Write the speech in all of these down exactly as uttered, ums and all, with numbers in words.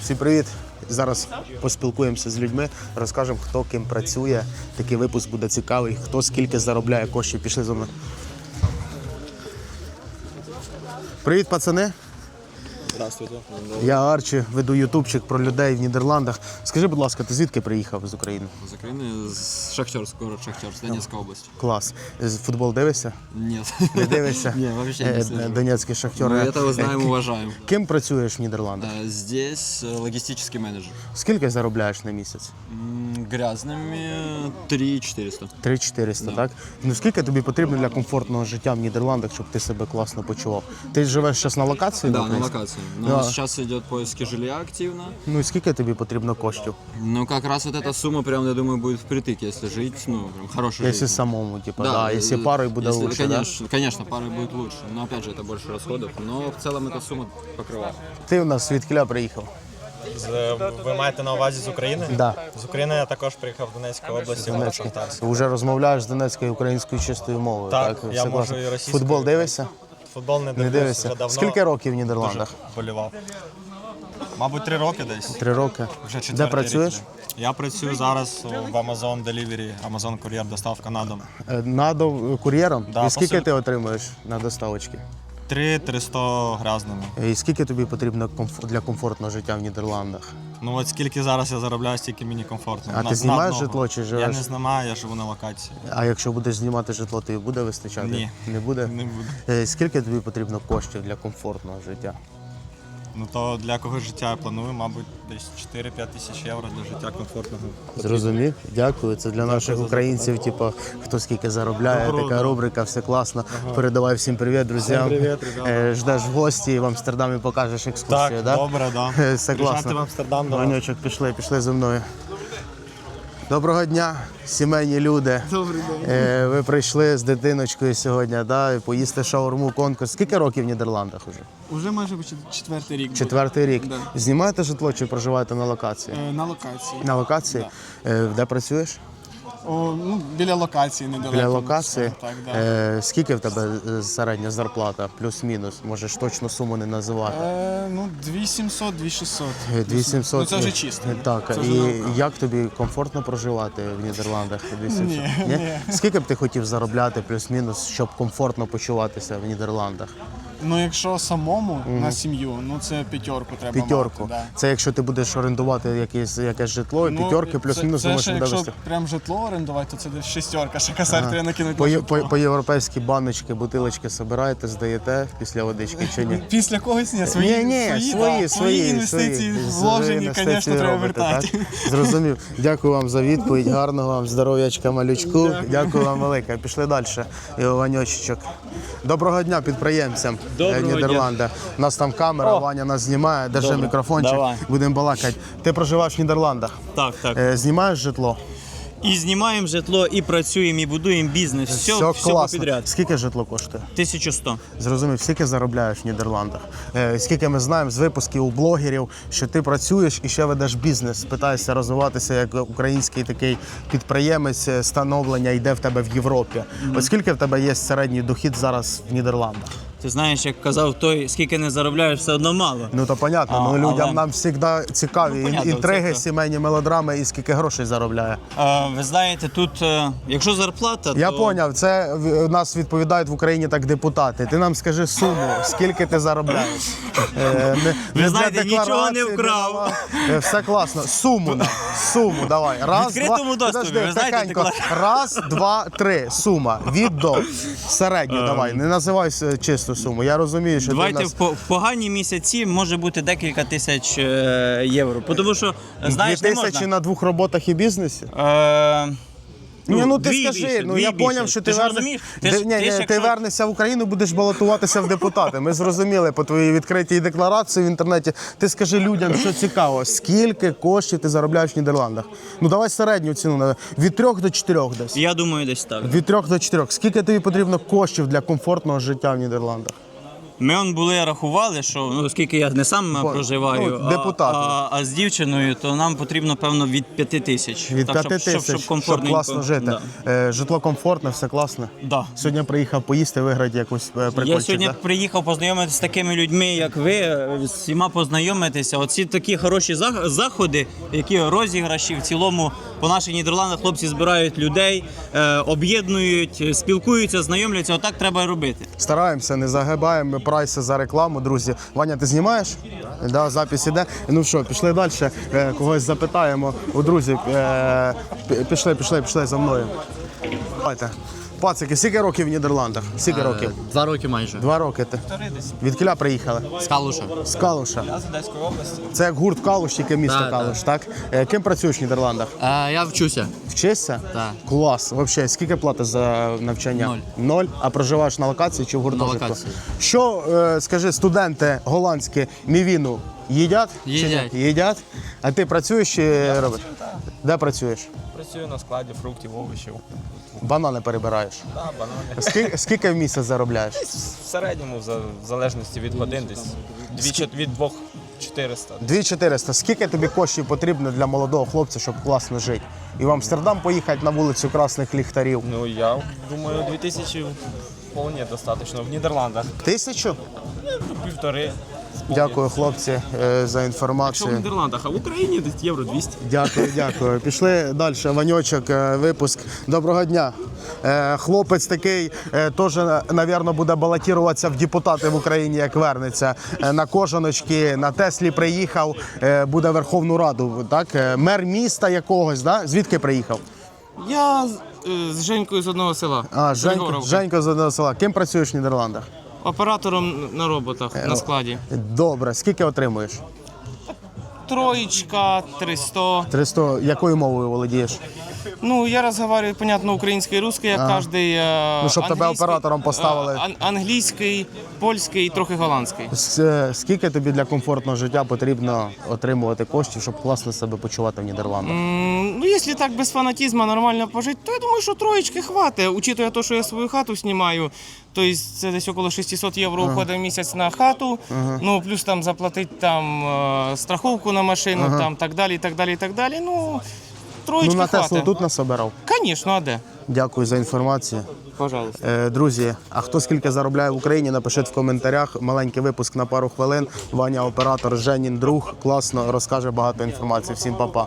Всім привіт! Зараз поспілкуємося з людьми, розкажемо, хто ким працює. Такий випуск буде цікавий, хто скільки заробляє коштів. Пішли за мною. Привіт, пацани! Здравствуйте. Я Арчі, веду ютубчик про людей в Нідерландах. Скажи, будь ласка, ти звідки приїхав з України? З України, з Шахтерськ, город Шахтерськ, Донецька область. Клас. З футбол дивишся? Нет. Не дивишся? Не, вообще не слежу. Донецький Шахтер. Мы этого знаем, уважаем. Ким працюєш в Нідерландах? Э, Здесь э, логистический менеджер. Скільки заробляєш на місяць? М, Грязными три четыреста. три чотириста, так? Ну скільки тобі потрібно для комфортного життя в Нідерландах, щоб ти себе класно почував? Ти живеш зараз на локації? Да, на українській? локации. Но Да. сейчас идет поиски жилья активно. Ну і скільки тобі потрібно коштів? Ну, как раз вот эта сумма, прям, я думаю, будет впритык, если жить, ну, прям хорошая Якщо жизнь. самому, типу, да, якщо э, парою буде если- лучше, конечно, конечно, парой будет лучше. Но опять же, это больше расходов. Но в целом эта сумма покрывает. да? Ти у нас звідкіля приїхав? З, ви маєте на увазі з України? Да. З України я також приїхав в Донецьку область, город Шахтарськ. Вже розмовляєш з донецькою і українською чистою мовою, так? Так, я Все можу класно. і російською. Футбол дивишся? Футбол не Не дивлюсь дивишся? вже давно. Скільки років в Дуже Нідерландах? болівав. Мабуть, три роки десь. Три роки. Вже Де четвертий працюєш? рік. Я працюю зараз в Amazon Delivery, Amazon Courier, доставка на дом. Е, Надо кур'єром? Да, І скільки посиль- ти отримуєш на доставочки? три триста грязними. І скільки тобі потрібно комф- для комфортного життя в Нідерландах? Ну от скільки зараз я заробляю, стільки мені комфортно. А На- ти знімаєш на одного. житло чи Я живеш? не знімаю, я живу на локації. А якщо будеш знімати житло, тобі буде вистачати? Ні. Не буде? Не буду. Е, Скільки тобі потрібно коштів для комфортного життя? Ну то для кого життя я планую, мабуть, десь чотири-п'ять тисяч євро для життя комфортного. Зрозумів? Дякую. Це для наших українців, типу, хто скільки заробляє, Добро, така да. рубрика, все класно. Передавай всім привіт, друзям. Всім привіт, ребята. Е, Ждеш в гості і в Амстердамі покажеш екскурсію, Так, да? добре, да. Е, Все Приїжджайте класно. в Амстердам до вас. Ванючок, пішли, пішли зі мною. Доброго дня, сімейні люди. Добрий день. Е, Ви прийшли з дитиночкою сьогодні, да, і поїсти шаурму, конкурс. Скільки років в Нідерландах уже? Уже майже чет- четвертий рік. буде. Четвертий рік. Да. Знімаєте житло чи проживаєте на локації? Е, На локації. На локації? Е, Де працюєш? О, ну, біля локації недалеко. Біля локації. Так, да. Е, Скільки в тебе е, середня зарплата? Плюс-мінус? Можеш точну суму не називати. Е, ну, дві сімсот, дві шістсот. дві сімсот. Ну, це вже чисто. Так, Це вже і наука. як тобі комфортно проживати в Нідерландах? дві сімсот? Ні, ні. Скільки б ти хотів заробляти плюс-мінус, щоб комфортно почуватися в Нідерландах? Ну, якщо самому на сім'ю, ну це п'ятерку треба П'ятерку. мати. Да. Це якщо ти будеш орендувати якесь, якесь житло, і п'ятерки плюс-мінус це, можеш це ще, видавати. якщо прям житло орендувати, то це десь шістерка, ще косарь треба накинути По, на є- житло. по, по європейські баночки, бутилочки собираєте, здаєте після водички чи ні? Після когось ні, свої, ні, ні, свої, свої, да, свої інвестиції свої вложені, інвестиції звісно, треба робите, вертати. так? Зрозумів. Дякую вам за відповідь, гарного вам здоров'ячка, малючку. Дякую вам велике. Пішли далі. І Ваньочечок. Доброго дня підприємцям Доброго дня. Нідерланда. У нас там камера, Ваня нас знімає, держи Добре, мікрофончик, давай. будемо балакати. Ти проживаєш в Нідерландах, Так, так. Е, знімаєш житло? І знімаємо житло, і працюємо, і будуємо бізнес. Все, все, класно. підряд. Скільки житло коштує? тисяча сто. Зрозумів, скільки заробляєш в Нідерландах? Е, скільки ми знаємо з випусків у блогерів, що ти працюєш і ще ведеш бізнес, питаєшся розвиватися як український такий підприємець, е, становлення йде в тебе в Європі. От скільки в тебе є середній дохід зараз в Нідерландах? Ти знаєш, як казав той, скільки не заробляєш, все одно мало. Ну то понятно, А, ну людям але- нам завжди цікаві Ну, понятно, інтриги, це- сімейні мелодрами і скільки грошей заробляє. А, ви знаєте, тут, е, якщо зарплата, Я то поняв, це в- нас відповідають в Україні так депутати. Ти нам скажи суму, скільки ти заробляєш. Е, не- не для знаєте, нічого декларації, не вкрав. для- Е, Все класно. Суму нам. Суму давай. Раз, відкритому два. доступі, Подожди, ви знаєте, тихенько. деклар- Раз, два, три. Сума. Від до. Середню давай. Не називай е, чисту суму. Я розумію, що давайте ти в в нас... по- в погані місяці може бути декілька тисяч е, євро. Тому що, знаєш, Дві не тисячі можна. на двох роботах і бізнесі? Е, Ні, ну ти дві скажи, більше, ну дві я більше. поняв, що ти, Ти ж верне- розумієш? Ти Де- ж- ні, ти ні, ж ти якщо- вернешся в Україну, будеш балотуватися в депутати. Ми зрозуміли по твоїй відкритій декларації в інтернеті. Ти скажи людям, що цікаво, скільки коштів ти заробляєш в Нідерландах? Ну давай середню ціну на- від трьох до чотирьох десь. Я думаю, десь так. Від трьох до чотирьох. Скільки тобі потрібно коштів для комфортного життя в Нідерландах? Ми он були рахували, що ну, оскільки я не сам Бо- проживаю, ну, а, депутат. а, а з дівчиною, то нам потрібно, певно, від п'яти тисяч. Від Так, п'яти щоб, тисяч, щоб, щоб, комфортненько. класно жити. Да. Е, Житло комфортне, все класно. Да. Сьогодні приїхав поїсти, виграти якусь е, прикольчик. Я сьогодні да? приїхав познайомитися з такими людьми, як ви, з всіма познайомитися. Оці такі хороші зах- заходи, які розіграші в цілому по наших Нідерландах хлопці збирають людей, е, об'єднують, спілкуються, знайомляться. Отак треба робити. Стараємося, не загибаємо ми прайси за рекламу, друзі. Ваня, ти знімаєш? Да, запис іде. Ну що, пішли далі, е, когось запитаємо. У друзі, е, пі- пішли, пішли, пішли за мною. Давайте. Пацики, скільки років в Нідерландах? Скільки років? Два роки майже. Два роки ти. Від Кіля приїхали? З Калуша. З Калуша. Я з Одеської області. Це як гурт Калуш, тільки місто Да, Калуш, так? Е, Ким працюєш в Нідерландах? Е, я вчуся. Вчишся? Так. Клас. Взагалі, скільки платиш за навчання? Ноль. Ноль? А проживаєш на локації чи в гуртожитку? локації. Що, е, скажи, студенти голландські мівіну їдять? чи ні? Їдять. Їдять. А ти працюєш чи робиш? Де працюєш? Працюю на складі фруктів, овочів. Банани перебираєш. Да, банани. Скільки, скільки в місяць заробляєш? В середньому, за- в залежності від годин, десь дві, від двох чотириста. дві чотириста. Скільки тобі коштів потрібно для молодого хлопця, щоб класно жити? І в Амстердам поїхати на вулицю Красних Ліхтарів? Ну, я думаю, дві тисячі вполне достатньо. В Нідерландах Тисячу? ну, півтори. Дякую, хлопці, е, за Що в інформацію. Нідерландах, а в Україні десь євро двісті. Дякую, дякую. Пішли далі. Ваньочок, е, випуск. Доброго дня. Е, Хлопець такий е, теж, мабуть, буде балотуватися в депутати в Україні, як вернеться. Е, На кожаночки, на Теслі приїхав, е, буде Верховну Раду. Так? Е, Мер міста якогось, да? Звідки приїхав? Я з, е, з Женькою з одного села. А, Женько, Григоровка. Женько з одного села. Ким працюєш в Нідерландах? Оператором на роботах на складі. Добре. Скільки отримуєш? Троечка, триста. триста. Якою мовою володієш? Ну, я разговариваю, понятно, українською і русською, як кожний. Ну, щоб тебе оператором поставили. Англійський, польський і трохи голландський. С- е, Скільки тобі для комфортного життя потрібно отримувати коштів, щоб класно себе почувати в Нідерландах? М, Ну, якщо так без фанатизму нормально пожити, то я думаю, що троєчки хватить. Учитуя те, що я свою хату знімаю, то есть це десь около шістсот євро уходить в місяць на хату, ну, плюс там заплатити там е, страховку на машину, там так далі, так далі, так далі. Ну, троєчки Ну, на Теслу хватить. тут насобирав. Звісно, а де? Дякую за інформацію. Пожалуйста. Е, Друзі, а хто скільки заробляє в Україні, напишіть в коментарях. Маленький випуск на пару хвилин. Ваня, оператор, Женін друг. Класно, розкаже багато інформації. Всім па-па.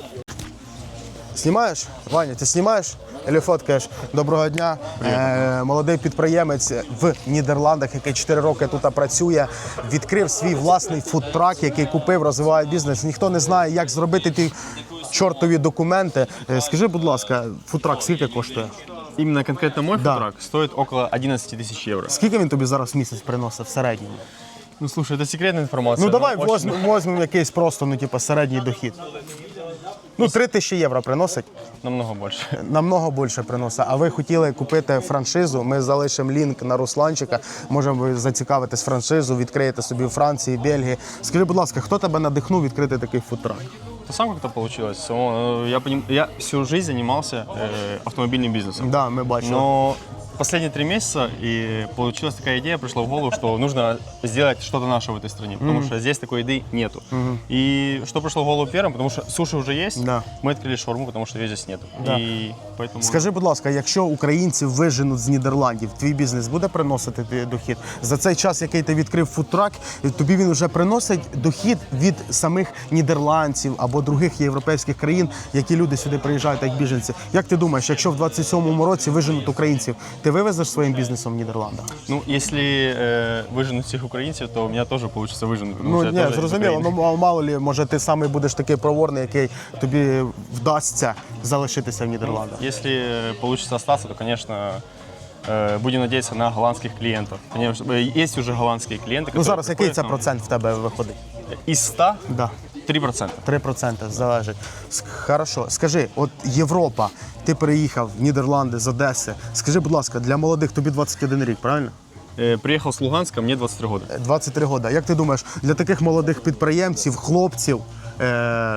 Знімаєш? Ваня, ти знімаєш? Або фоткаєш? Доброго дня. Е, молодий підприємець в Нідерландах, який чотири роки тут працює, відкрив свій власний фудтрак, який купив, розвиває бізнес. Ніхто не знає, як зробити ті чортові документи. Е, скажи, будь ласка, фудтрак скільки коштує? Именно конкретно мой Да. фудтрак стоит около одиннадцати тысяч евро. Скільки він тобі зараз в місяць приносить в середньому? Ну слушай, это секретная информация. Ну давай но очень- возьмемо возьмем якийсь просто, ну типу, середній дохід. Ну, три тисячі євро приносить, Намного больше. намного більше приносить. А ви хотіли купити франшизу, ми залишимо лінк на Русланчика, можемо ви зацікавитись франшизу, відкриєте собі в Франції, Бельгії. Скажи, будь ласка, хто тебе надихнув відкрити такий фудтрак? То сам как-то получилось. Само- э, Я, поним- я всю жизнь занимался э, автомобильным бизнесом. Да, ми бачили. Но последние три месяца и получилась такая идея, пришла в голову, что нужно сделать что-то наше в этой стране, потому что здесь такой еды нету. И что пришло в голову первым, потому что суши уже есть, Да. мы открыли шаурму, потому что ее здесь нету. Да. И поэтому... Скажи, будь ласка, якщо українців виженуть з Нідерландів, твій бізнес буде приносити тобі дохід? За цей час, який ти відкрив фудтрак, тобі він вже приносить дохід від самих нідерландців або других європейських країн, які люди сюди приїжджають як біженці. Як ти думаєш, якщо в двадцять сьомому році виженуть українців, ти вивезеш своїм бізнесом в Нідерландах? Ну, если э, выженуть всех украинцев, то у меня тоже получится выженуть. потому Ну что я ні, тоже из зрозуміло. Украины. Ну а мало лі, може ти саме будеш такий проворний, який тобі вдасться залишитися в Нідерландах. Если э, получится остаться, то, конечно, э, будем надеяться на голландских клиентов. Конечно, э, есть уже голландские клиенты, Ну которые зараз який приходят це к нам. процент в тебе виходить? Из ста Да. три процента. три проценти залежить. С- Хорошо. Скажи, от Європа, ти приїхав в Нідерланди з Одеси. Скажи, будь ласка, для молодих тобі двадцять один рік, правильно? Э, Приехал с Луганска, мне двадцать три года. двадцять три роки. Як ти думаєш, для таких молодих підприємців, хлопців, е-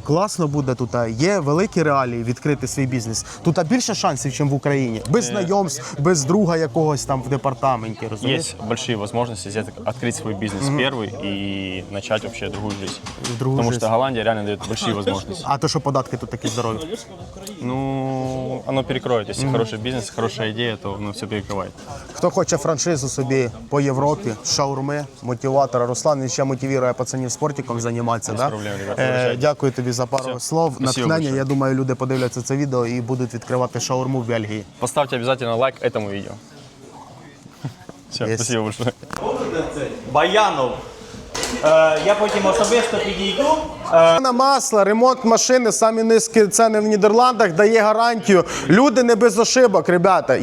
Класно буде тут. а Є великі реалії відкрити свій бізнес. Тут більше шансів, ніж в Україні. Без знайомств, без друга якогось там в департаменті. Розумієш? Есть большие возможности взять, открыть свой бизнес первый и начать вообще другую жизнь. Другую Потому жизнь. что Голландия реально дает большие возможности. А то, що податки тут такі здорові. Ну, оно перекроет. Если хороший бизнес, хорошая идея, то оно все перекрывает. Хто хоче франшизу собі по Європі, шаурми, мотиватора. Руслан він ще мотивує пацанів спортиком займатися. Да? проблем, ребят, Е, вибачайте. дякую тобі за пару слов. Спасибо Натхнення. большое. Я думаю, люди подивляться це відео і будуть відкривати шаурму в Бельгії. Поставьте обязательно лайк этому видео. Все, Есть. спасибо большое. Баянов. Е, я потім особисто підійду. На масло, ремонт машини, самі низькі ціни в Нідерландах, дає гарантію. Люди не без ошибок, ребята.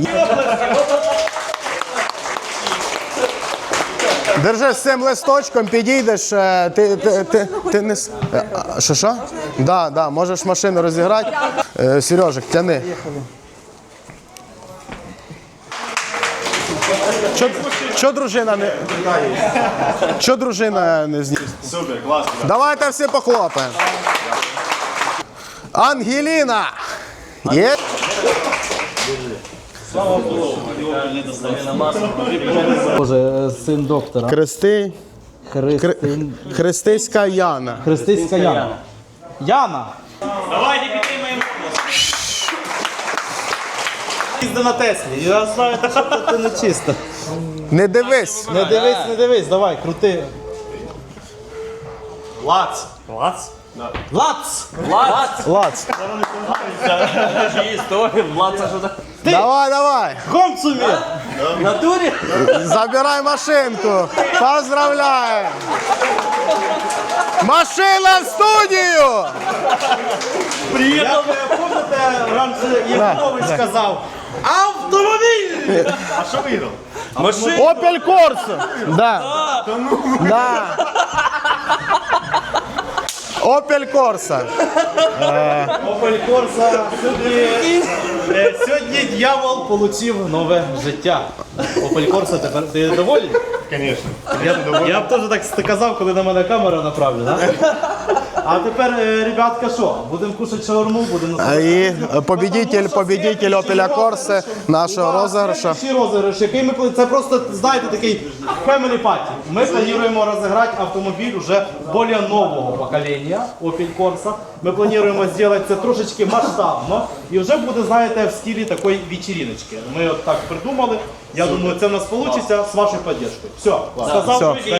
Держи з цим листочком, підійдеш, е, ти, ти, ти, ти не... с- е, а, Що, що? Да, да, можеш машину розіграти. Е, Сережик, тяни. Що, що дружина не... Що дружина не зні... Супер, класно. Давайте всі похлопаємо. Ангеліна! Є? Боже, син доктора. Хрести... Христин. Христиська Яна. Христиська Яна. Яна! Давайте підтримаємо. Їзди на Теслі. Я знаю, Що ти не чисто? Не дивись. Не дивись, не дивись, давай, крути. Лац. Лац? Лац! Лац! Лац. Історія, Лаца, що так? Давай, давай. Комцумі! В натурі? Забирай машинку. Поздравляю. Машина в студію. Приїхав, пам'ятаєте, раніше Євгенович сказав, автомобіль! А що виграв? Opel Corsa. Да. Да. Opel Corsa. Opel Corsa. Сьогодні, е, сьогодні дьявол отримав нове життя. Opel Corsa, тепер ти доволі? Звісно. Я, я б теж так казав, коли на мене камера направлена. А тепер, е, ребятка, що? Будемо кушати шаурму, будемо А І победитель, победитель Opel Corsa нашого розіграшу. Ще розіграш, який ми пла- це просто, знаєте, такий family party. Ми плануємо розіграти автомобіль уже більш нового покоління Opel Corsa. Ми плануємо зробити це трошечки масштабно і вже буде, знаєте, в стилі такої вечериночки. Ми от так придумали. Я думаю, це в нас вийде з вашою підтримкою. Все, сказав. Все.